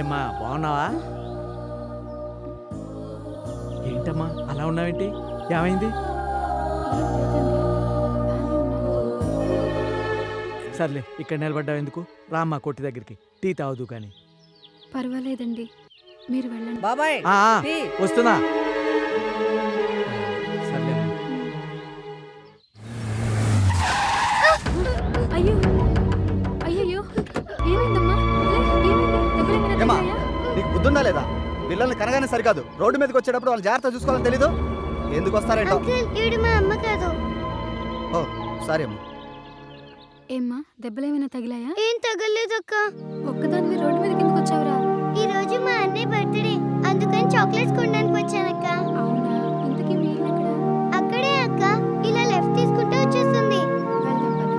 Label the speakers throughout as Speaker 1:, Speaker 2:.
Speaker 1: ఏమ్మా బాగున్నావా? ఏంటమ్మా అలా ఉన్నావేంటి? ఏమైంది? సర్లే ఇక్కడ నిలబడ్డావు ఎందుకు? రామ్మా కొట్టి దగ్గరికి, టీ తాగుదు కానీ.
Speaker 2: పర్వాలేదండి, మీరు వెళ్ళండి.
Speaker 3: బాబాయ్
Speaker 1: ఆ, ఆ,
Speaker 3: టీ.
Speaker 1: వస్తున్నా. సర్లే అమ్మా.
Speaker 2: అయ్యో అయ్యయ్యో, ఏమైందమ్మా? ఏమైంది?
Speaker 4: ఏమ్మా, నీకు బుద్ధుందా లేదా? పిల్లల్ని కనగానే సరికాదు, రోడ్డు మీదకి వచ్చేటప్పుడు వాళ్ళు జాగ్రత్త చూసుకోవాలని తెలీదు. ఎందుకు వస్తారేంటో.
Speaker 5: ఈవిడ మా అమ్మ కాదు.
Speaker 4: ఓ సారీ అమ్మా.
Speaker 2: ఏమ్మా, దెబ్బలేమైనా తగిలాయా?
Speaker 5: ఏం తగలేదక్క.
Speaker 2: ఒక్కదానివి రోడ్డు మీదకి ఎందుకు వచ్చావురా?
Speaker 5: ఈ రోజు మా అన్నయ్య బర్త్డే, అందుకని చాక్లెట్స్ కొనడానికి వచ్చానక్క.
Speaker 2: అవునా, ఇంతకీ మీ ఇల్లు ఎక్కడ?
Speaker 5: అక్కడే అక్క, ఇలా లెఫ్ట్ తీసుకుంటే వచ్చేస్తుంది.
Speaker 2: వెళ్దాం పద.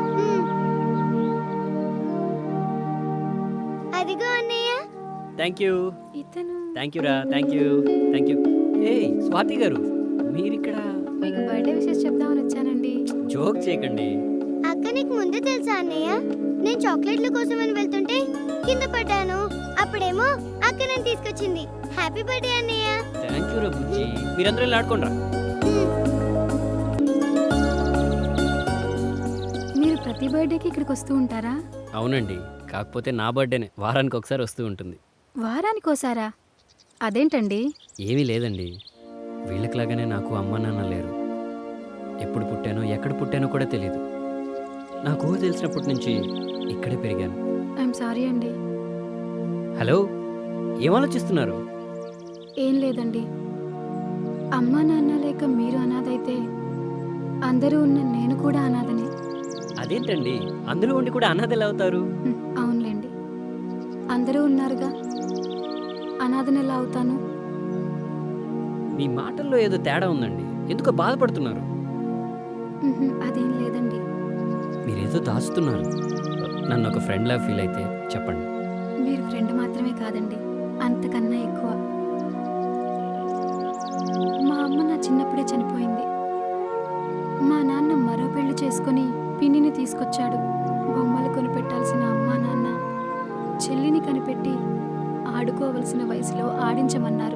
Speaker 5: అదిగో అన్నయ్య.
Speaker 6: థ్యాంక్ యూ
Speaker 2: ఇతను
Speaker 6: రా, థ్యాంక్ యూ. ఏయ్ స్వాతి గారు, మీరిక్కడ
Speaker 2: మీకు బర్త్డే విషెస్ చెప్దామని వచ్చానండి.
Speaker 6: జోక్ చేయకండి.
Speaker 5: అక్క నీకు ముందే తెలుసా అన్నయ్య? నేను చాక్లెట్ల కోసమని వెళ్తుంటే కింద పడ్డాను. అప్పుడేమో అక్క నన్ను తీసుకొచ్చింది. హ్యాపీ బర్త్డే అన్నయ్య.
Speaker 6: థ్యాంక్ యూ రా బుజ్జి. మీరందరూ ఇలా ఆడుకోండి రా.
Speaker 2: మీరు ప్రతి బర్త్డేకి ఇక్కడికి వస్తూ ఉంటారా?
Speaker 6: అవునండి, కాకపోతే నా బర్త్డేనే వారానికి ఒకసారి వస్తూ ఉంటుంది.
Speaker 2: వారానికోసారా? అదేంటండి?
Speaker 6: ఏమీ లేదండి, వీళ్ళకిలాగానే నాకు అమ్మ నాన్న లేరు. ఎప్పుడు పుట్టానో ఎక్కడ పుట్టానో కూడా తెలియదు. నాకు ఊహ తెలిసినప్పటి నుంచి ఇక్కడే పెరిగాను.
Speaker 2: ఐఎమ్ సారీ అండి.
Speaker 6: హలో, ఏం ఆలోచిస్తున్నారు?
Speaker 2: ఏం లేదండి, అమ్మా నాన్న లేక మీరు అనాథైతే అందరూ ఉన్న నేను కూడా అనాథనే.
Speaker 6: అదేంటండి, అందులో ఉండి కూడా అనాథలు అవుతారు?
Speaker 2: అవునులేండి, అందరూ ఉన్నారుగా, అనాథను ఎలా అవుతాను?
Speaker 6: మీ మాటల్లో ఏదో తేడా ఉందండి, ఎందుకో బాధపడుతున్నారు.
Speaker 2: అదేం లేదండి.
Speaker 6: మీరేదో దాచుతున్నారు. నన్ను ఒక ఫ్రెండ్లా ఫీల్ అయితే చెప్పండి.
Speaker 2: మీరు ఫ్రెండ్ మాత్రమే కాదండి, అంతకన్నా ఎక్కువ. మా అమ్మ నా చిన్నప్పుడే చనిపోయింది. మా నాన్న మరో పెళ్లి చేసుకుని పిన్నిని తీసుకొచ్చాడు. బొమ్మలు కొనిపెట్టాల్సిన అమ్మా నాన్న చెల్లిని కనిపెట్టి ఆడుకోవలసిన వయసులో ఆడించమన్నారు.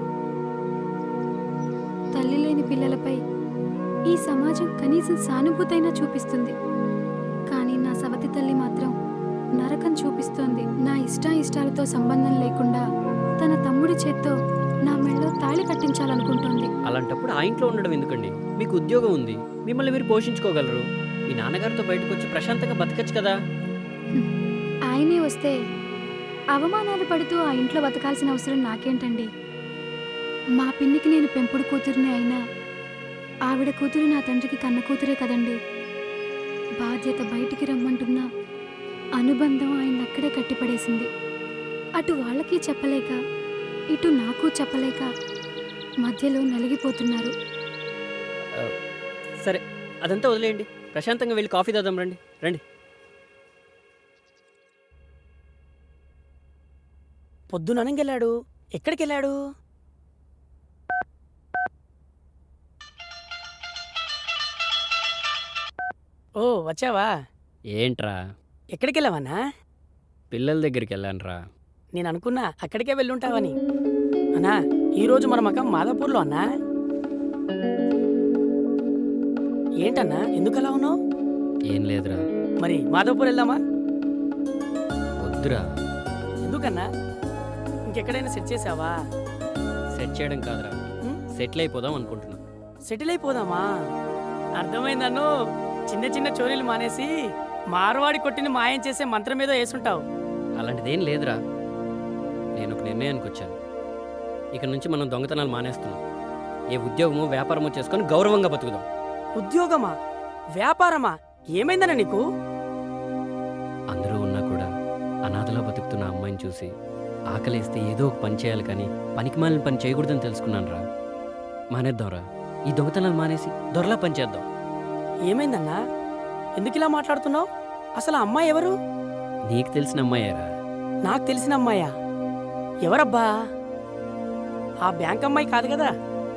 Speaker 2: తల్లి లేని పిల్లలపై ఈ సమాజం కనీసం సానుభూతైనా చూపిస్తుంది, కానీ నా సవతి తల్లి మాత్రం నరకం చూపిస్తోంది. నా ఇష్టాయిష్టాలతో సంబంధం లేకుండా తన తమ్ముడి చేత్తో నా మెళ్ళో తాళి కట్టించాలనుకుంటోంది.
Speaker 6: అలాంటప్పుడు ఆ ఇంట్లో ఉండడం ఎందుకండి? మీకు ఉద్యోగం ఉంది, మిమ్మల్ని మీరు పోషించుకోగలరు. మీ నాన్నగారితో బయటకు వచ్చి ప్రశాంతంగా బతకచ్చు కదా.
Speaker 2: ఆయనే వస్తే అవమానాలు పడుతూ ఆ ఇంట్లో బతకాల్సిన అవసరం నాకేంటండి? మా పిన్నికి నేను పెంపుడు కూతురిని అయినా ఆవిడ కూతురు నా తండ్రికి కన్న కూతురే కదండి. బాధ్యత బయటికి రమ్మంటున్నా అనుబంధం ఆయన అక్కడే కట్టిపడేసింది. అటు వాళ్ళకి చెప్పలేక ఇటు నాకు చెప్పలేక మధ్యలో నలిగిపోతున్నారు.
Speaker 6: సరే, అదంతా వదిలేయండి, ప్రశాంతంగా వెళ్ళి కాఫీ తాదాం. రండి రండి.
Speaker 3: పొద్దుననగెళ్ళాడు, ఎక్కడికి వెళ్ళాడు? ఓ వచ్చావా?
Speaker 6: ఏంట్రా?
Speaker 3: ఎక్కడికి వెళ్ళావన్నా?
Speaker 6: పిల్లల దగ్గరికి వెళ్ళానురా.
Speaker 3: నేను అనుకున్నా అక్కడికే వెళ్ళుంటావని. అన్నా, ఈరోజు మన మకం మాదాపూర్లో అన్నా. ఏంటన్నా, ఎందుకలా ఉన్నావు?
Speaker 6: ఏం లేదురా.
Speaker 3: మరి మాదాపూర్ వెళ్దామా?
Speaker 6: వద్దురా.
Speaker 3: ఎందుకన్నా? ఇంకెక్కడైనా సెట్ చేసావా?
Speaker 6: సెట్ చేయడం కాదురా, సెటిల్ అయిపోదాం అనుకుంటున్నా.
Speaker 3: సెటిల్ అయిపోదామా? అర్థమైందన్ను. చిన్న చిన్న చోరీలు మానేసి మార్వాడి కొట్టిని మాయం చేసే మంత్రం ఏదో వేసుంటావు.
Speaker 6: అలాంటిదేం లేదురా, నేను ఒక నిర్ణయానికి వచ్చాను. ఇక నుంచి మనం దొంగతనాలు మానేస్తున్నాం. ఏ ఉద్యోగమో వ్యాపారమో చేసుకొని గౌరవంగా బతుకుదాం.
Speaker 3: ఉద్యోగమా? వ్యాపారమా? ఏమైందన్నా నీకు?
Speaker 6: అందరూ ఉన్నా కూడా అనాథలా బతుకుతున్న అమ్మాయిని చూసి ఆకలేస్తే ఏదో ఒక పని చేయాలి, కానీ పనికిమాలిన పని చేయకూడదని తెలుసుకున్నాను రా. మానేద్దాంరా, ఈ దొంగతనాలు మానేసి దొరలా పని చేద్దాం.
Speaker 3: ఏమైందన్నా? ఎందుకు ఇలా మాట్లాడుతున్నావు? అసలు ఆ అమ్మాయి ఎవరు?
Speaker 6: నీకు తెలిసిన అమ్మాయేరా.
Speaker 3: నాకు తెలిసిన అమ్మాయా? ఎవరబ్బా? ఆ బ్యాంక్ అమ్మాయి కాదు కదా?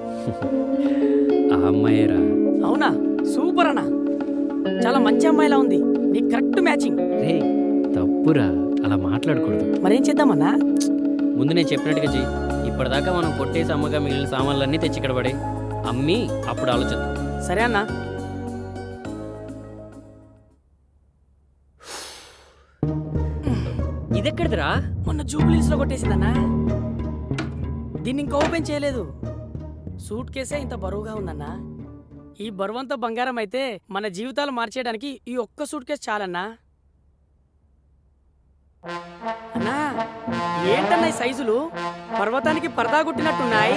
Speaker 6: ఆ అమ్మాయేరా.
Speaker 3: అవునా? సూపర్ అన్నా, చాలా మంచి అమ్మాయిలా ఉంది. నీకు కరెక్ట్ మ్యాచింగ్.
Speaker 6: రే తప్పురా, అలా మాట్లాడకూడదు.
Speaker 3: మరేం చేద్దామన్నా?
Speaker 6: ముందు నేను చెప్పినట్టుగా చెయ్యి. ఇప్పటిదాకా మనం కొట్టేసి అమ్మగా మిగిలిన సామాన్లన్నీ తెచ్చి ఇక్కడ పడే అమ్మి అప్పుడు ఆలోచిద్దాం.
Speaker 3: సరే అన్నా.
Speaker 6: ఇదెక్కడిదిరా?
Speaker 3: మొన్న జూబ్లీస్ లో కొట్టేసిందన్నా. దీన్ని ఇంకా ఓపెన్ చేయలేదు. సూట్ కేసే ఇంత బరువుగా ఉందన్నా. ఈ బరువంతా బంగారం అయితే మన జీవితాలు మార్చేయడానికి ఈ ఒక్క సూట్ కేసు చాలన్నా. అన్నా ఏంటన్నా ఈ సైజులు? పర్వతానికి పరదా గుట్టినట్టున్నాయి.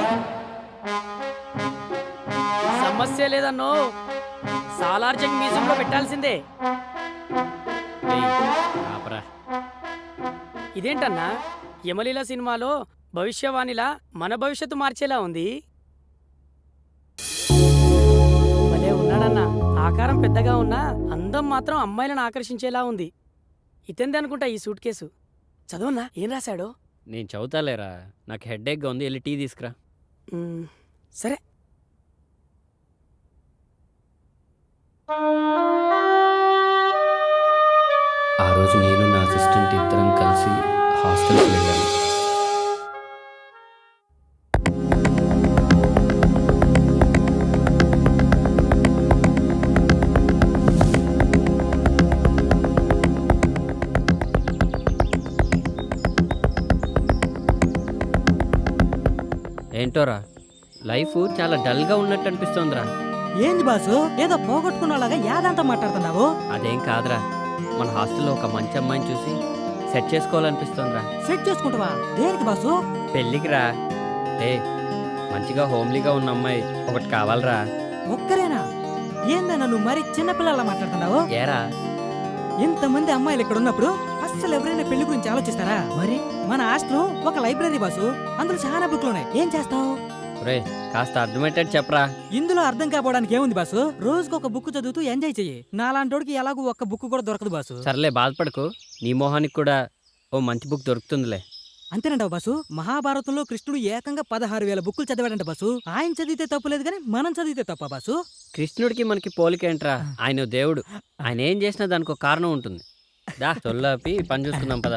Speaker 3: సమస్య లేదన్నో, సాలార్జంగ్ మ్యూజియంలో పెట్టాల్సిందే.
Speaker 6: ఏయ్, ఆపరా.
Speaker 3: ఇదేంటన్నా, యమలీల సినిమాలో భవిష్యవాణిలా మన భవిష్యత్తు మార్చేలా ఉంది. భలే ఉన్నాడన్నా. ఆకారం పెద్దగా ఉన్నా అందం మాత్రం అమ్మాయిలను ఆకర్షించేలా ఉంది. ఇతంది అనుకుంటా ఈ సూట్ కేసు. చదవన్నా, ఏం రాశాడో?
Speaker 6: నేను చదువుతాలేరా, నాకు హెడ్ఏక్గా ఉంది, వెళ్ళి టీ తీసుకురా.
Speaker 3: సరే.
Speaker 6: ఆ రోజు నేను నా అసిస్టెంట్ ఇద్దరం కలిసి హాస్టల్కి వెళ్ళాను. ఏంటోరా, లైఫ్ చాలా డల్గా ఉన్నట్టు అనిపిస్తోందిరా.
Speaker 7: ఏంది బాసు, ఏదో పోగొట్టుకున్నలాగా యాదంతా మాట్లాడుతున్నావు?
Speaker 6: అదేం కాదురా, మన హాస్టల్లో ఒక మంచి అమ్మాయిని చూసి సెట్ చేసుకోవాలనిపిస్తోందిరా.
Speaker 7: సెట్ చేసుకుంటావా? దేనికి బాసు?
Speaker 6: పెళ్ళికి రా. మంచిగా హోమ్లీగా ఉన్న అమ్మాయి ఒకటి కావాలరా.
Speaker 7: ఒక్కరేనా? ఏందన్నా నువ్వు మరి చిన్నపిల్లలా మాట్లాడుతున్నావు?
Speaker 6: ఏరా,
Speaker 7: ఇంతమంది అమ్మాయిలు ఇక్కడ ఉన్నప్పుడు అస్సలు ఎవరైనా పెళ్లి గురించి ఆలోచిస్తారా? మరి మన హాస్టల్ ఒక లైబ్రరీ బాసు, అందులో చాలా బుక్లు ఉన్నాయి. ఏం చేస్తావు?
Speaker 6: రే కాస్త అర్థమయ్యేటట్టు చెప్పరా.
Speaker 7: ఇందులో అర్థం కాపోవడానికి ఏముంది బాసు? రోజుకు ఒక బుక్ చదువుతూ ఎంజాయ్ చెయ్యి. నాలాంటోడికి ఎలాగూ ఒక్క బుక్ కూడా దొరకదు బాసు.
Speaker 6: సర్లే బాధపడకు, నీ మొహానికి కూడా ఓ మంచి బుక్ దొరుకుతుందిలే.
Speaker 7: అంతేనంటావు బాసు? మహాభారతంలో కృష్ణుడు ఏకంగా 16,000 బుక్కులు చదివాడంట బాసు. ఆయన చదివితే తప్పులేదు కానీ మనం చదివితే తప్ప బాసు?
Speaker 6: కృష్ణుడికి మనకి పోలికేంట్రా, ఆయన దేవుడు. ఆయన ఏం చేసినా దానికి ఒక కారణం ఉంటుంది. దా తొల్లాపి పని చూసుకుందాం పదా.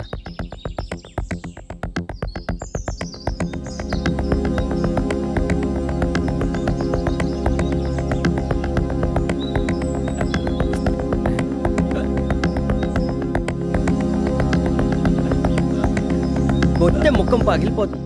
Speaker 6: కొట్టే ముఖం పగిలిపోతుంది.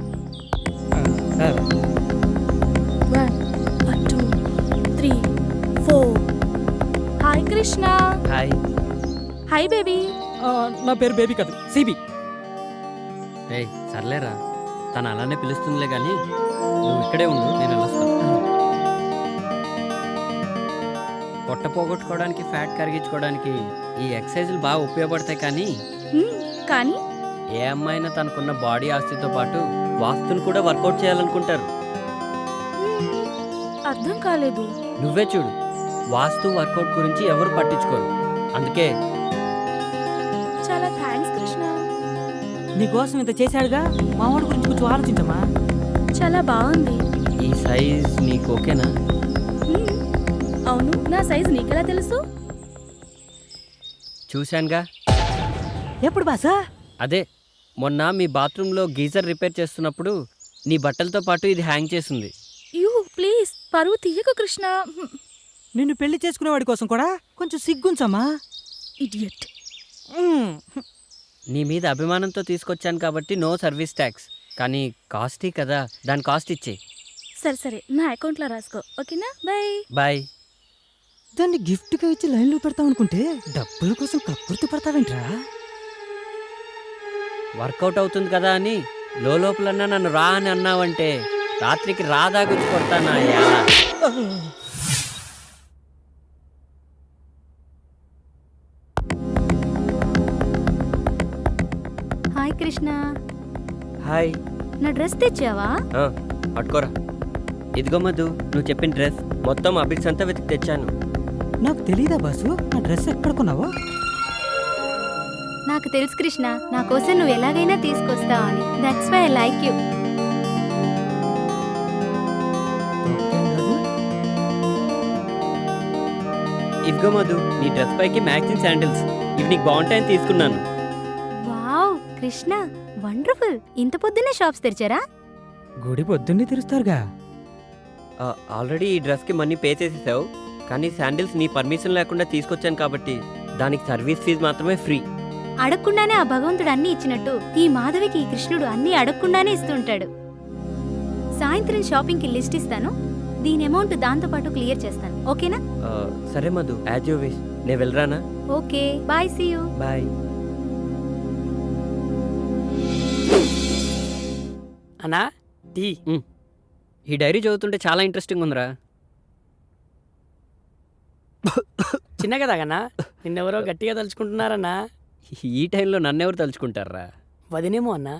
Speaker 2: 1 2 3 4. Hi Krishna.
Speaker 6: Hi.
Speaker 2: Hi baby.
Speaker 7: నా పేరు బేబీ కాదు, సిబి.
Speaker 6: రే సర్లేరా, తను అలానే పిలుస్తుందిలే కానీ నువ్వు ఇక్కడే ఉండు, నేను వెళ్ళొస్తాను. పొట్ట పోగొట్టుకోవడానికి, ఫ్యాట్ కరిగించుకోవడానికి ఈ ఎక్సర్సైజులు బాగా ఉపయోగపడతాయి. కానీ
Speaker 2: కానీ
Speaker 6: ఏ అమ్మాయినా తనకున్న బాడీ ఆస్తితో పాటు వాస్తుని కూడా వర్కౌట్ చేయాలనుకుంటారు.
Speaker 2: అర్థం కాలేదు.
Speaker 6: నువ్వే చూడు, వాస్తు వర్కౌట్ గురించి ఎవరు పట్టించుకోరు. అందుకే
Speaker 2: చాలా థ్యాంక్స్ కృష్ణ.
Speaker 7: నీకోసం ఇంత చేశాడుగా, మావాడి గురించి కొంచెం ఆలోచించమ్మా.
Speaker 2: చాలా బాగుంది.
Speaker 6: ఈ సైజ్ నీకు ఓకేనా?
Speaker 2: అవును, నా సైజ్ నీకెలా తెలుసు?
Speaker 6: చూశానుగా.
Speaker 7: ఎప్పుడు బాసా?
Speaker 6: అదే మొన్న మీ బాత్రూంలో గీజర్ రిపేర్ చేస్తున్నప్పుడు నీ బట్టలతో పాటు ఇది హ్యాంగ్ చేసింది.
Speaker 2: యూ ప్లీజ్, పరువు తీయకు కృష్ణ.
Speaker 7: నిన్ను పెళ్లి చేసుకునేవాడి కోసం కూడా కొంచెం సిగ్గుంచమ్మా.
Speaker 2: ఇడియట్.
Speaker 6: నీ మీద అభిమానంతో తీసుకొచ్చాను కాబట్టి నో సర్వీస్ ట్యాక్స్. కానీ కాస్టీ కదా, దాని కాస్ట్ ఇచ్చే.
Speaker 2: సరే సరే, నా అకౌంట్లో రాసుకో, ఓకేనా? Bye
Speaker 6: bye.
Speaker 7: దాన్ని గిఫ్ట్గా ఇచ్చి లైన్లో పెడతావు అనుకుంటే డబ్బుల కోసం కక్కుర్తి పడతావేంట్రా?
Speaker 6: వర్కౌట్ అవుతుంది కదా అని లోపలన్నా నన్ను రా అని అన్నావంటే రాత్రికి రాదా గుచ్చి కొడతానా?
Speaker 2: హాయ్ కృష్ణ.
Speaker 6: హాయ్.
Speaker 2: నా డ్రెస్ తెచ్చావా?
Speaker 6: పట్టుకోరా. ఇదిగో మధు, నువ్వు చెప్పిన డ్రెస్ మొత్తం అభిక్స్ అంతా వెతికి తెచ్చాను.
Speaker 7: నాకు తెలీదా బాసు నా డ్రెస్ ఎక్కడ కొన్నావో?
Speaker 2: నాకు తెలుసు కృష్ణ, నా కోసం నువ్వు ఎలాగైనా తీసుకొస్తావు అని. That's why I like you.
Speaker 6: ఇదిగో మధు, నీ డ్రెస్ పైకి మ్యాచింగ్ శాండిల్స్. ఇవి నీకు బాగుంటాయని తీసుకున్నాను.
Speaker 2: Wow Krishna,
Speaker 8: wonderful. ఇంత పొద్దున్నే షాప్స్ తెరిచారా?
Speaker 7: గుడి పొద్దున్నే తెరుస్తారుగా.
Speaker 6: ఆల్రెడీ ఈ డ్రెస్కి మనీ పే చేసేసావు, కానీ శాండిల్స్ నీ పర్మిషన్ లేకుండా తీసుకొచ్చాను కాబట్టి దానికి సర్వీస్ ఫీజు మాత్రమే ఫ్రీ.
Speaker 8: అడగకుండానే ఆ భగవంతుడు అన్ని ఇచ్చినట్టు ఈ మాధవికి ఈ కృష్ణుడు అన్ని అడగకుండానే ఇస్తుంటాడు. సాయంత్రం షాపింగ్కి లిస్ట్ ఇస్తాను. దీని అమౌంట్ దాంతో పాటు క్లియర్ చేస్తాను. ఓకేనా?
Speaker 6: సరే మధు, యాజ్ యూ విష్. నేను వెళ్ళరానా?
Speaker 8: Okay, bye, see you.
Speaker 6: Bye.
Speaker 3: అన్నా టీ.
Speaker 6: ఈ డైరీ చదువుతుంటే చాలా ఇంట్రెస్టింగ్ ఉందిరా.
Speaker 3: చిన్నగా తాగన్నా, నిన్నెవరో గట్టిగా తలుచుకుంటున్నారన్నా.
Speaker 6: ఈ టైంలో నన్నెవరు తలుచుకుంటారా?
Speaker 3: వదినేమో అన్నా.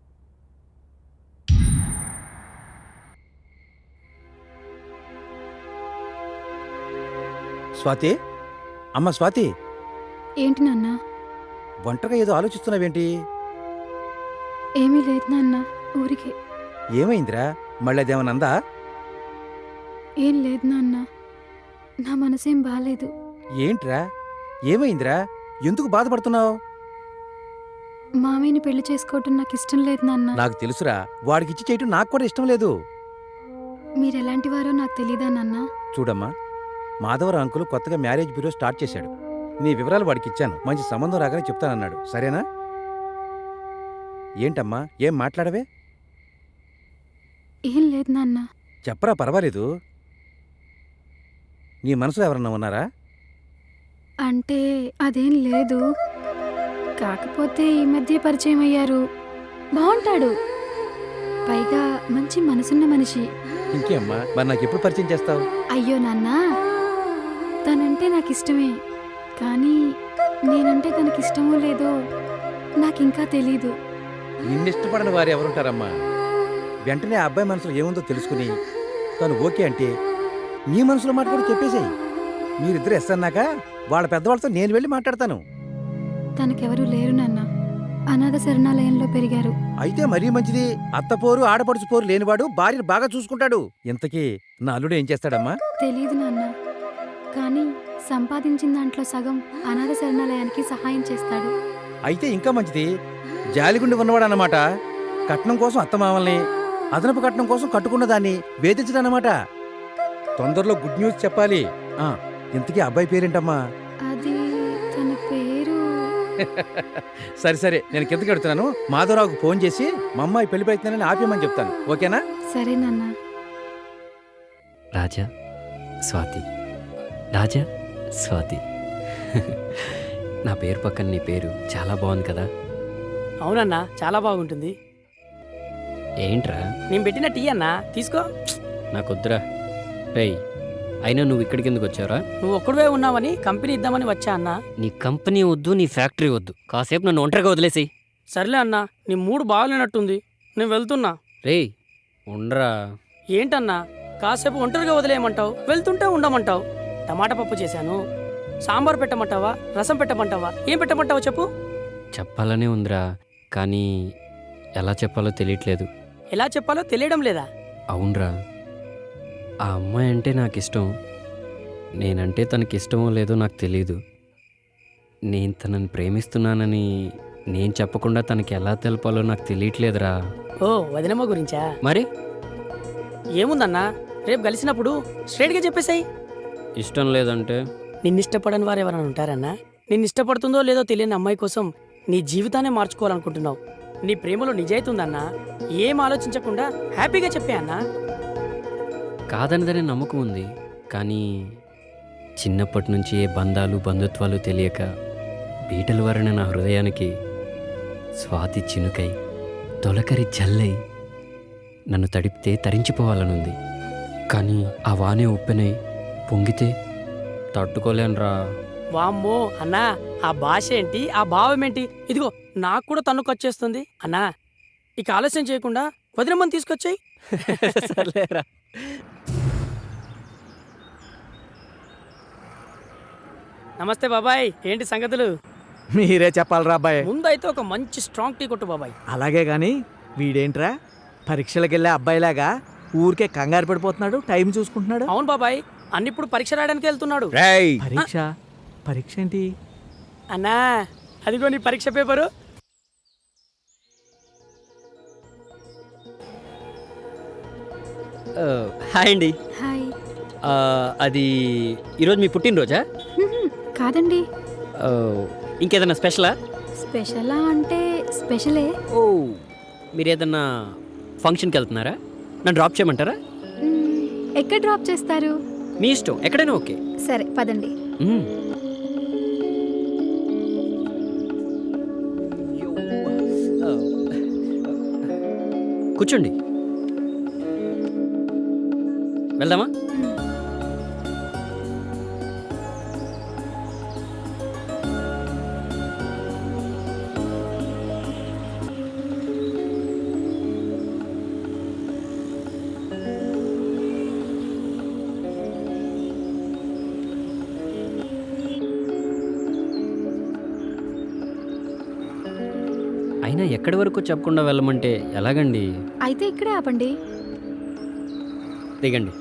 Speaker 9: స్వాతి, అమ్మ స్వాతి,
Speaker 2: ఏంటి నాన్న?
Speaker 9: ఒంటరిగా ఏదో ఆలోచిస్తున్నావేంటి?
Speaker 2: ఏమీ లేదు నాన్న, ఊరికే.
Speaker 9: ఏమైందిరా? మళ్ళీ అదేమనందా?
Speaker 2: ఏం లేదు నాన్న, నా మనసేం బాలేదు.
Speaker 9: ఏంట్రా, ఏమైందిరా? ఎందుకు బాధపడుతున్నావు?
Speaker 2: మామయ్యని పెళ్లి చేసుకోవటం నాకు ఇష్టం లేదు నాన్న.
Speaker 9: నాకు తెలుసురా, వాడికిచ్చి చేయటం నాకు కూడా ఇష్టం లేదు.
Speaker 2: మీరెలాంటి వారో నాకు తెలీదా నాన్న?
Speaker 9: చూడమ్మా, మాధవరావు అంకుల్ కొత్తగా మ్యారేజ్ బ్యూరో స్టార్ట్ చేశాడు. నీ వివరాలు వాడికి ఇచ్చాను. మంచి సంబంధం రాగానే చెప్తానన్నాడు. సరేనా? ఏంటమ్మా, ఏం మాట్లాడవే?
Speaker 2: ఏం లేదు నాన్న.
Speaker 9: చెప్పరా, పర్వాలేదు. నీ మనసులో ఎవరన్నా ఉన్నారా?
Speaker 2: అంటే అదేం లేదు, కాకపోతే ఈ మధ్య పరిచయం అయ్యారు. బాగుంటాడు, పైగా మంచి మనసున్న మనిషి.
Speaker 9: ఇంకేమ్మా, మరి నాకు ఎప్పుడు పరిచయం చేస్తావు?
Speaker 2: అయ్యో నాన్న, తనంటే నాకు ఇష్టమే, కానీ నేనంటే తనకిష్టమో లేదో నాకింకా తెలీదు.
Speaker 9: నిన్నిష్టపడని వారు ఎవరుంటారమ్మా? వెంటనే ఆ అబ్బాయి మనసులో ఏముందో తెలుసుకుని తను ఓకే అంటే నీ మనసులో మాట కూడా చెప్పేసేయి. మీరిద్దరు ఎస్ అన్నాక వాళ్ళ పెద్దవాళ్ళతో నేను వెళ్ళి మాట్లాడతాను.
Speaker 2: తనకెవరూ లేరు నాన్న, అనాథ శరణాలయంలో పెరిగారు.
Speaker 9: అయితే మరీ మంచిది. అత్తపోరు ఆడపడుచు పోరు లేనివాడు భార్యను బాగా చూసుకుంటాడు. ఇంతకీ నా అల్లుడు ఏం చేస్తాడమ్మా?
Speaker 2: తెలీదు నాన్న, కానీ సంపాదించిన దాంట్లో సగం అనాథ శరణాలయానికి సహాయం చేస్తాడు.
Speaker 9: అయితే ఇంకా మంచిది. జాలిగుండి ఉన్నవాడు అన్నమాట. కట్నం కోసం అత్తమామల్ని, అదనపు కట్నం కోసం కట్టుకున్న దాన్ని వేధించడన్నమాట. తొందరలో గుడ్ న్యూస్ చెప్పాలి. ఇంతకీ అబ్బాయి పేరేంటమ్మా?
Speaker 2: అది తన పేరు.
Speaker 9: సరే సరే, నేను కిందకి వెళ్తున్నాను. మాధవరావుకు ఫోన్ చేసి మా అమ్మాయి పెళ్లి ప్రయత్నాన్ని ఆపేయమని చెప్తాను. ఓకేనా?
Speaker 2: సరే నాన్న.
Speaker 6: రాజా, స్వాతి, రాజా, స్వాతి. నా పేరు పక్కన నీ పేరు చాలా బాగుంది కదా?
Speaker 3: అవునన్నా, చాలా బాగుంటుంది.
Speaker 6: ఏంట్రా?
Speaker 3: నేను పెట్టిన టీ అన్నా, తీసుకో.
Speaker 6: నాకొద్దురా. రేయ్, అయినా నువ్వు ఇక్కడికి ఎందుకు వచ్చావురా?
Speaker 3: నువ్వు ఒక్కడివే ఉన్నావని కంపెనీ ఇద్దామని వచ్చా అన్నా.
Speaker 6: నీ కంపెనీ వద్దు, నీ ఫ్యాక్టరీ వద్దు. కాసేపు నన్ను ఒంటరిగా వదిలేసి.
Speaker 3: సర్లే అన్నా, నీ మూడు బాగాలేనట్టుంది, నేను వెళ్తున్నా.
Speaker 6: రేయ్, ఉండరా.
Speaker 3: ఏంటన్నా, కాసేపు ఒంటరిగా వదిలేయమంటావు, వెళ్తుంటే ఉండమంటావు. టమాటా పప్పు చేశాను, సాంబార్ పెట్టమంటావా, రసం పెట్టమంటావా, ఏం పెట్టమంటావా చెప్పు.
Speaker 6: చెప్పాలనే ఉందిరా, కానీ ఎలా చెప్పాలో తెలియట్లేదు.
Speaker 3: ఎలా చెప్పాలో తెలియడం లేదా?
Speaker 6: అవునరా, ఆ అమ్మాయి అంటే నాకు ఇష్టం. నేనంటే తనకి ఇష్టమో లేదో నాకు తెలీదు. నేను తనని ప్రేమిస్తున్నానని నేను చెప్పకుండా తనకి ఎలా తెలపాలో నాకు తెలియట్లేదురా.
Speaker 3: ఓ, వదినమ్మ గురించా?
Speaker 6: మరి
Speaker 3: ఏముందన్నా, రేపు కలిసినప్పుడు స్ట్రైట్గా చెప్పేసాయి.
Speaker 6: ఇష్టం లేదంటే?
Speaker 3: నిన్నిష్టపడని వారు ఎవరైనా ఉంటారన్నా? నిన్నిష్టపడుతుందో లేదో తెలియని అమ్మాయి కోసం నీ జీవితాన్ని మార్చుకోవాలనుకుంటున్నావు. నీ ప్రేమలో నిజాయితీ ఉందన్నా, ఏం ఆలోచించకుండా హ్యాపీగా చెప్పే అన్నా.
Speaker 6: కాదనదనే నమ్మకం ఉంది, కానీ చిన్నప్పటి నుంచి ఏ బంధాలు బంధుత్వాలు తెలియక బీటలు వరణ నా హృదయానికి స్వాతి చినుకై తొలకరి జల్లై నన్ను తడిపితే తరించిపోవాలనుంది. కానీ ఆ వానే ఉప్పెనై పొంగితే తట్టుకోలేనురా.
Speaker 3: వామ్మో అన్నా, ఆ భాష ఏంటి, ఆ భావం ఏంటి? ఇదిగో నాకు కూడా తన్నుకొచ్చేస్తుంది అన్నా. ఇక ఆలస్యం చేయకుండా వదినమ్మని తీసుకొచ్చాయి.
Speaker 6: సర్లేరా.
Speaker 3: నమస్తే బాబాయ్, ఏంటి సంగతులు?
Speaker 1: మీరే చెప్పాలరా అబ్బాయి.
Speaker 3: ముందైతే ఒక మంచి స్ట్రాంగ్ టీ కొట్టు బాబాయ్.
Speaker 1: అలాగే గాని వీడేంట్రా పరీక్షలకు వెళ్ళే అబ్బాయిలాగా ఊరికే కంగారు పడిపోతున్నాడు, టైం చూసుకుంటున్నాడు.
Speaker 3: అవును బాబాయ్, అన్నిప్పుడు పరీక్ష రాయడానికి వెళ్తున్నాడు.
Speaker 1: పరీక్ష? పరీక్ష ఏంటి
Speaker 3: అన్నా? అదిగో నీ పరీక్ష పేపరు.
Speaker 6: హాయ్ అండి.
Speaker 2: హాయ్.
Speaker 6: అది ఈరోజు మీ పుట్టినరోజా?
Speaker 2: కాదండి.
Speaker 6: ఇంకేదన్నా స్పెషలా?
Speaker 2: స్పెషలా అంటే స్పెషలే.
Speaker 6: ఓ, మీరు ఏదన్నా ఫంక్షన్కి వెళ్తున్నారా? నన్ను డ్రాప్ చేయమంటారా?
Speaker 2: ఎక్కడ డ్రాప్ చేస్తారు?
Speaker 6: మీ ఇష్టం, ఎక్కడైనా ఓకే.
Speaker 2: సరే పదండి.
Speaker 6: మ్మ్. కూర్చోండి, వెళ్దామా? అయినా ఎక్కడి వరకు చెప్పకుండా వెళ్ళమంటే ఎలాగండి?
Speaker 2: అయితే ఇక్కడే ఆపండి.
Speaker 6: దిగండి.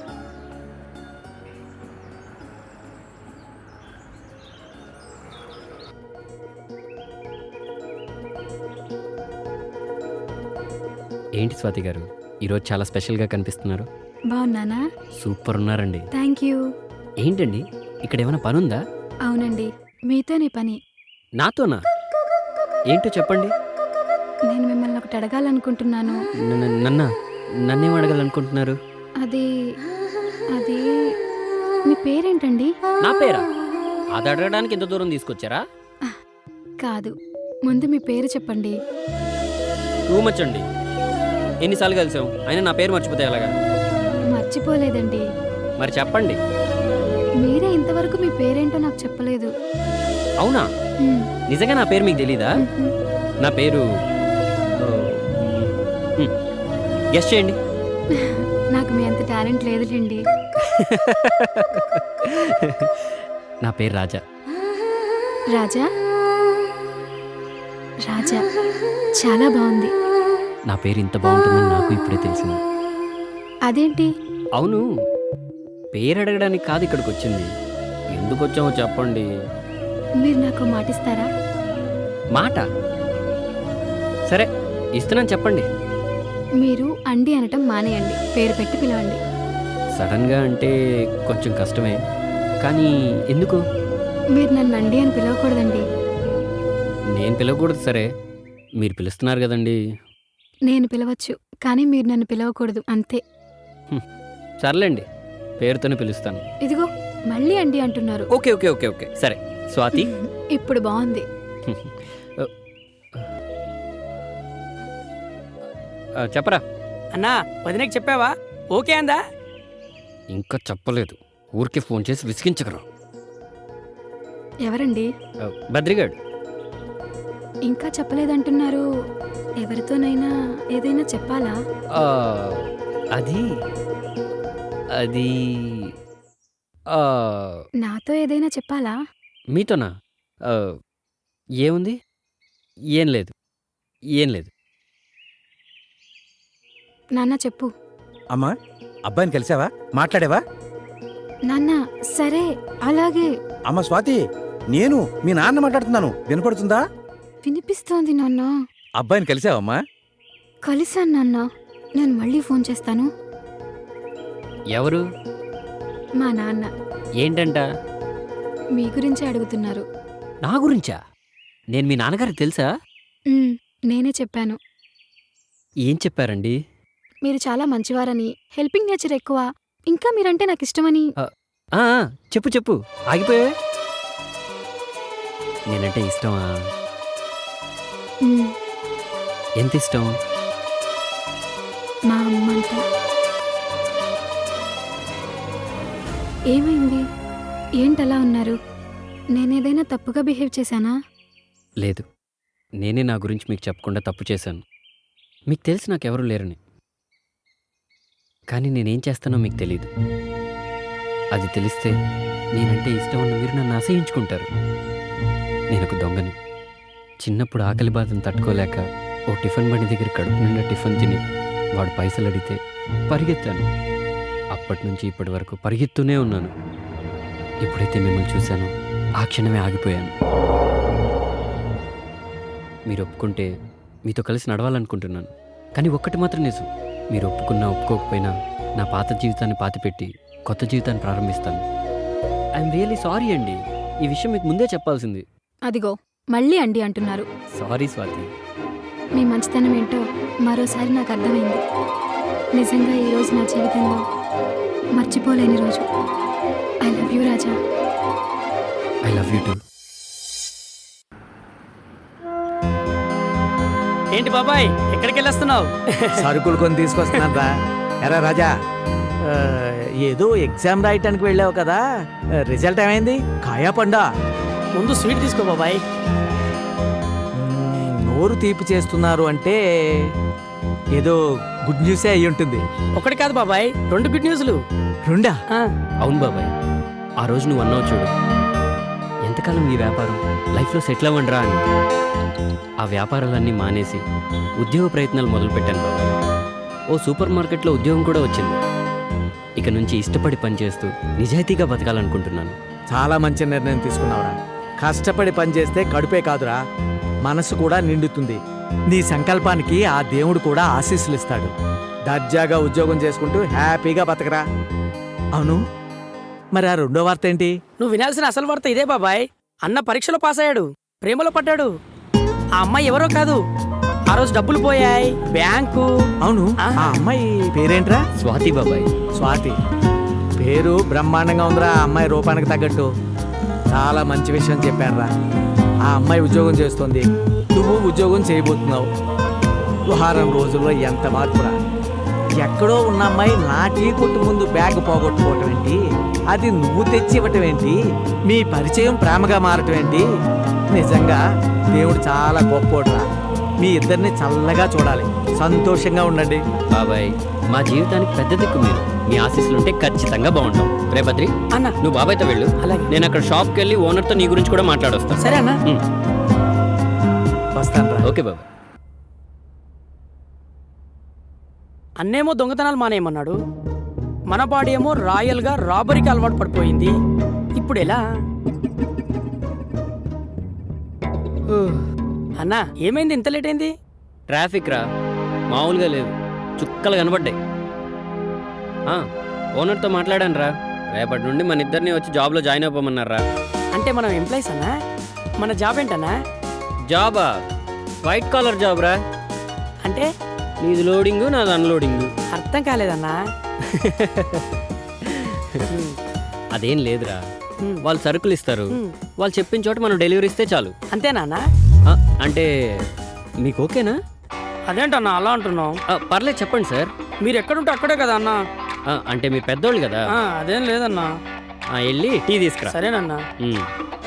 Speaker 6: ఏంటి స్వాతి గారు, ఈరోజు చాలా స్పెషల్గా కనిపిస్తున్నారు.
Speaker 2: బాగున్నానా?
Speaker 6: సూపర్ ఉన్నారండి.
Speaker 2: Thank you.
Speaker 6: ఏంటండి, ఇక్కడ ఏమైనా పని ఉందా?
Speaker 2: అవునండి, మీతోనే పని.
Speaker 6: నాతోనా? ఏంటో చెప్పండి.
Speaker 2: నేను మిమ్మల్ని ఒకటి అడగాలనుకుంటున్నాను.
Speaker 6: నన్నేం అడగాలనుకుంటున్నారు?
Speaker 2: అది అది మీ పేరేంటండి?
Speaker 6: నా పేరా? అది అడగడానికి ఎంత దూరం తీసుకొచ్చారా?
Speaker 2: కాదు, ముందు మీ పేరు చెప్పండి.
Speaker 6: టూ మచ్ అండి. ఎన్నిసార్లు కలిసాం, అయినా నా పేరు మర్చిపోతే ఎలాగా?
Speaker 2: మర్చిపోలేదండి.
Speaker 6: మరి చెప్పండి.
Speaker 2: మీరే ఇంతవరకు మీ పేరేంటో నాకు చెప్పలేదు.
Speaker 6: అవునా? నిజంగా నా పేరు మీకు తెలీదా? నా పేరు గెస్ చేయండి.
Speaker 2: నాకు మీ అంత టాలెంట్ లేదులేండి.
Speaker 6: నా పేరు రాజా.
Speaker 2: రాజా? రాజా చాలా బాగుంది.
Speaker 6: నా పేరు ఇంత బాగుంటుందని నాకు ఇప్పుడే తెలిసింది.
Speaker 2: అదేంటి?
Speaker 6: అవును, పేరు అడగడానికి కాదు ఇక్కడికి వచ్చింది. ఎందుకు వచ్చామో చెప్పండి.
Speaker 2: మీరు నాకు మాటిస్తారా?
Speaker 6: మాట? సరే, ఇస్తున్నాను, చెప్పండి.
Speaker 2: మీరు అండి అనటం మానేయండి, పేరు పెట్టి పిలవండి.
Speaker 6: సడన్గా అంటే కొంచెం కష్టమే, కానీ ఎందుకు?
Speaker 2: మీరు నన్ను అండి అని పిలవకూడదండి.
Speaker 6: నేను పిలవకూడదు, సరే, మీరు పిలుస్తున్నారు కదండి.
Speaker 2: నేను పిలవచ్చు, కానీ మీరు నన్ను పిలవకూడదు, అంతే.
Speaker 6: సర్లేండి, పేరుతోనే పిలుస్తాను.
Speaker 2: ఇదిగో మళ్ళీ అండి అంటున్నారు.
Speaker 6: ఓకే ఓకే ఓకే ఓకే సరే, స్వాతి.
Speaker 2: ఇప్పుడు బాగుంది.
Speaker 6: చెప్పరా?
Speaker 3: అన్నా, వదినకి చెప్పావా? ఓకే అందా?
Speaker 6: ఇంకా చెప్పలేదు, ఊరికే ఫోన్ చేసి విసిగించగరా.
Speaker 2: ఎవరండి?
Speaker 6: బద్రిగాడు.
Speaker 2: ఇంకా చెప్పలేదంటున్నారు. ఎవరితోనైనా ఏదైనా చెప్పాలా?
Speaker 6: అది అది
Speaker 2: నాతో ఏదైనా చెప్పాలా?
Speaker 6: మీతోనా? ఏముంది? ఏం లేదు, ఏం లేదు.
Speaker 2: నాన్న చెప్పు.
Speaker 9: అమ్మా, అబ్బాయిని కలిసావా? మాట్లాడావా?
Speaker 2: నాన్న సరే అలాగే.
Speaker 9: అమ్మ స్వాతి, నేను మీ నాన్న మాట్లాడుతున్నాను, వినపడుతుందా?
Speaker 2: వినిపిస్తోంది నాన్న.
Speaker 9: అబ్బాయిని కలిసావమ్మా?
Speaker 2: కలిసాను నాన్న. నేను మళ్ళీ ఫోన్ చేస్తాను.
Speaker 6: ఎవరు?
Speaker 2: మా నాన్న.
Speaker 6: ఏంటంట?
Speaker 2: మీ గురించే అడుగుతున్నారు.
Speaker 6: నా గురించా? నేను మీ నాన్నగారికి తెలుసా?
Speaker 2: నేనే చెప్పాను.
Speaker 6: ఏం చెప్పారండి?
Speaker 2: మీరు చాలా మంచివారని, హెల్పింగ్ నేచర్ ఎక్కువ, ఇంకా మీరంటే నాకు ఇష్టమని.
Speaker 6: చెప్పు చెప్పు, ఆగిపోయావే. నేనంటే ఇష్టమా? ఎంత ఇష్టం?
Speaker 2: మా అమ్మంతా. ఏమైంది? ఏంటలా ఉన్నారు? నేనేదైనా తప్పుగా బిహేవ్ చేశానా?
Speaker 6: లేదు, నేనే నా గురించి మీకు చెప్పకుండా తప్పు చేశాను. మీకు తెలిసి నాకెవరూ లేరని. కానీ నేనేం చేస్తానో మీకు తెలీదు. అది తెలిస్తే నేనంటే ఇష్టం ఉన్న మీరు నన్ను అసహించుకుంటారు. నేను ఒక దొంగని. చిన్నప్పుడు ఆకలి బాధను తట్టుకోలేక ఓ టిఫిన్ బండి దగ్గర కడుపు నిండా టిఫిన్ తిని వాడు పైసలు అడిగితే పరిగెత్తాను. అప్పటి నుంచి ఇప్పటి వరకు పరిగెత్తూనే ఉన్నాను. ఎప్పుడైతే మిమ్మల్ని చూశానో ఆ క్షణమే ఆగిపోయాను. మీరు ఒప్పుకుంటే మీతో కలిసి నడవాలనుకుంటున్నాను. కానీ ఒక్కటి మాత్రం నిజం, మీరు ఒప్పుకున్నా ఒప్పుకోకపోయినా నా పాత జీవితాన్ని పాతిపెట్టి కొత్త జీవితాన్ని ప్రారంభిస్తాను. ఐఎమ్ రియల్లీ సారీ అండి. ఈ విషయం మీకు ముందే చెప్పాల్సింది.
Speaker 2: అదిగో మళ్ళీ అండి అంటున్నారు.
Speaker 6: సారీ స్వాతి.
Speaker 2: మీ మంచితనం ఏంటో మరోసారి నాకు అర్థమైంది. నిజంగా ఈ రోజు నా జీవితంలో మర్చిపోలేని రోజు. I love you Raja.
Speaker 6: I love you too.
Speaker 3: ఏంటి బాబాయ్ ఎక్కడికి వెళ్ళొస్తున్నావు?
Speaker 1: సరుకులు కొని తీసుకొస్తున్నాను రా. ఎరా రాజా, ఆ, ఏదో ఎగ్జామ్ రాయటానికి వెళ్ళావు కదా, రిజల్ట్ ఏమైంది? కాయా పండా?
Speaker 3: ముందు స్వీట్ తీసుకో బాబాయ్.
Speaker 1: నోరు తీపి చేస్తున్నారు అంటే ఏదో గుడ్ న్యూసే అయి ఉంటుంది.
Speaker 3: ఒకటి కాదు బాబాయ్, 2 గుడ్ న్యూస్లు.
Speaker 1: రెండా?
Speaker 3: ఆ,
Speaker 6: అవును బాబాయ్, ఆ రోజు నువ్వు అన్నావు చూడు, ఎంతకాలం ఈ వ్యాపారం, లైఫ్లో సెటిల్ అవ్వండిరా అని. ఆ వ్యాపారాలన్నీ మానేసి ఉద్యోగ ప్రయత్నాలు మొదలుపెట్టాను బాబాయ్. ఓ సూపర్ మార్కెట్లో ఉద్యోగం కూడా వచ్చింది. ఇక నుంచి ఇష్టపడి పనిచేస్తూ నిజాయితీగా బతకాలనుకుంటున్నాను.
Speaker 1: చాలా మంచి నిర్ణయం తీసుకున్నావురా. కష్టపడి పనిచేస్తే కడుపే కాదురా, మనసు కూడా నిండుతుంది. నీ సంకల్పానికి ఆ దేవుడు కూడా ఆశీస్సులు ఇస్తాడు. దర్జాగా ఉద్యోగం చేసుకుంటూ హ్యాపీగా బతకరా. అవును, మరి ఆ రెండో వార్త ఏంటి?
Speaker 3: నువ్వు వినాల్సిన అసలు వార్త ఇదే బాబాయ్. అన్న పరీక్షలో పాస్ అయ్యాడు, ప్రేమలో పడ్డాడు. ఆ అమ్మాయి ఎవరో కాదు, ఆ రోజు డబ్బులు పోయాయి బ్యాంకు.
Speaker 1: అవును, ఆ అమ్మాయి పేరేంట్రా?
Speaker 6: స్వాతి బాబాయ్.
Speaker 1: స్వాతి పేరు బ్రహ్మాండంగా ఉందిరా. ఆ అమ్మాయి రూపానికి తగ్గట్టు చాలా మంచి విషయం చెప్పానురా. ఆ అమ్మాయి ఉద్యోగం చేస్తుంది, నువ్వు ఉద్యోగం చేయబోతున్నావు. వారం రోజుల్లో ఎంత మార్పురా. ఎక్కడో ఉన్న అమ్మాయి నా టీ కొట్టు ముందు బ్యాగ్ పోగొట్టుకోవటం ఏంటి, అది నువ్వు తెచ్చి ఇవ్వటం ఏంటి, మీ పరిచయం ప్రేమగా మారటం ఏంటి. నిజంగా దేవుడు చాలా గొప్పోడురా. మీ ఇద్దరిని చల్లగా చూడాలి, సంతోషంగా ఉండండి.
Speaker 6: బాబాయ్, మా జీవితానికి పెద్ద దిక్కు మీరు. మీ ఆశీస్సులుంటే ఖచ్చితంగా బాగుంటాం. రే బద్రి,
Speaker 3: అన్న
Speaker 6: నువ్వు బాబాయ్తో వెళ్ళు.
Speaker 3: అలాగే.
Speaker 6: నేను అక్కడ షాప్కి వెళ్ళి ఓనర్తో నీ గురించి కూడా మాట్లాడొస్తాను.
Speaker 3: సరే అన్న.
Speaker 1: వస్తానురా.
Speaker 6: ఓకే బాబాయ్.
Speaker 3: అన్నేమో దొంగతనాలు మానేయమన్నాడు, మన బాడీ ఏమో రాయల్గా రాబరీకి అలవాటు పడిపోయింది. ఇప్పుడు ఎలా? అన్నా ఏమైంది, ఇంత లేట్ అయింది?
Speaker 6: ట్రాఫిక్ రా, మామూలుగా లేదు, చుక్కలు కనబడ్డాయి. ఓనర్తో మాట్లాడాను రా, రేపటి నుండి మన ఇద్దరిని వచ్చి జాబ్లో జాయిన్ అవ్వమన్నారా.
Speaker 3: అంటే మనం ఎంప్లాయీస్ అన్నా? మన జాబ్ ఏంటన్నా?
Speaker 6: జాబా? వైట్ కాలర్ జాబ్ రా.
Speaker 3: అంటే
Speaker 6: నీది లోడింగు, నాది అన్లోడింగు.
Speaker 3: అర్థం కాలేదన్నా.
Speaker 6: అదేం లేదురా,
Speaker 3: హ్మ్.
Speaker 6: వాళ్ళు సరుకులు ఇస్తారు,
Speaker 3: హ్మ్.
Speaker 6: వాళ్ళు చెప్పిన చోట మనం డెలివరీ ఇస్తే చాలు.
Speaker 3: అంతేనా?
Speaker 6: అంటే మీకు ఓకేనా?
Speaker 3: అదేంటన్నా అలా అంటున్నావు?
Speaker 6: పర్లేదు చెప్పండి సార్.
Speaker 3: మీరు ఎక్కడుంటే అక్కడే కదా అన్నా.
Speaker 6: అంటే మీరు పెద్దోళ్ళు కదా.
Speaker 3: అదేం లేదన్నా.
Speaker 6: వెళ్ళి టీ తీసుకురా.
Speaker 3: సరేనన్నా.
Speaker 6: ఉమ్.